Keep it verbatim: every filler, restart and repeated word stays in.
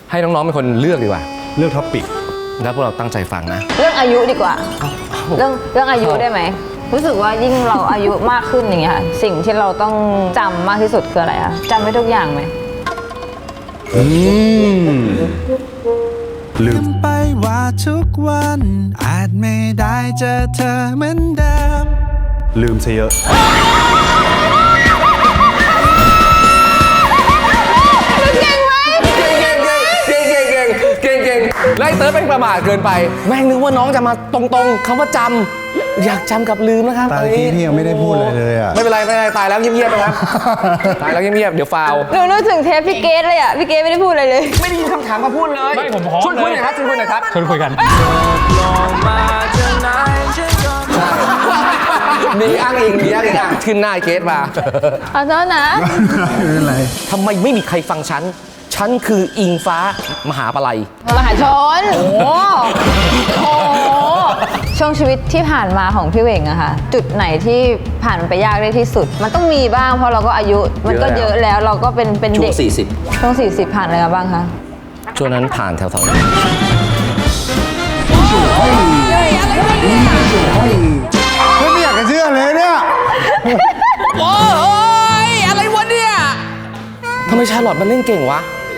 ให้น้องๆเป็นคนเลือกดีกว่าเลือกท็อปิกแล้วพวกเราตั้งใจฟังนะเรื่องอายุดีกว่าเรื่องเรื่องอายุได้ไหมรู้สึกว่ายิ่งเราอายุมากขึ้นอย่างเงี้ยค่ะสิ่งที่เราต้องจำมากที่สุดคืออะไรคะจำไว้ทุกอย่างไหมอืมลืมไปว่าทุกวันอาจไม่ได้เจอเธอเหมือนเดิมลืมซะเยอะเก่งไหมเก่งเก่งเก่งเก่งเก่งเก่งเก่งไล่เติร์ดเป็นประมาทเกินไปแม่งนึกว่าน้องจะมาตรงๆคำว่าจำอยากจำกับลืมนะครับตายที่พี่ยังไม่ได้พูดเลยเลยอ่ะไม่เป็นไรไม่เป็นไรตายแล้วเงียบๆนะครับตายแล้วเงียบๆเดี๋ยวฟาวหนูนึกถึงเทปพี่เกดเลยอ่ะพี่เกดไม่ได้พูดอะไรเลยไม่ได้ยินคำถามมาพูดเลยไม่ผมพร้อมช่วยคุยหน่อยครับช่วยคุยหน่อยครับช่วยคุยกันมีอ้างอิงมีอ้างอิงอ่ะขึ้นหน้าเกตมาขอโทษนะไม่เป็นไรทำไมไม่มีใครฟังฉันฉันคืออิงฟ้ามหาปลัยมหาชนโอ้โหช่วงชีวิตที่ผ่านมาของพี่เหว่งอะค่ะจุดไหนที่ผ่านมันไปยากได้ที่สุดมันต้องมีบ้างเพราะเราก็อายุมันก็เยอะแล้วเราก็เป็นเป็นเด็กช่วงสี่สิบช่วงสี่สิบผ่านอะไรมาบ้างคะช่วงนั้นผ่านแถวๆนี้ไม่อยากจะเชื่อเลยเนี่ยโอ้ยอะไรวะเนี่ยทำไมชาร์ลอตมันเล่นเก่งวะ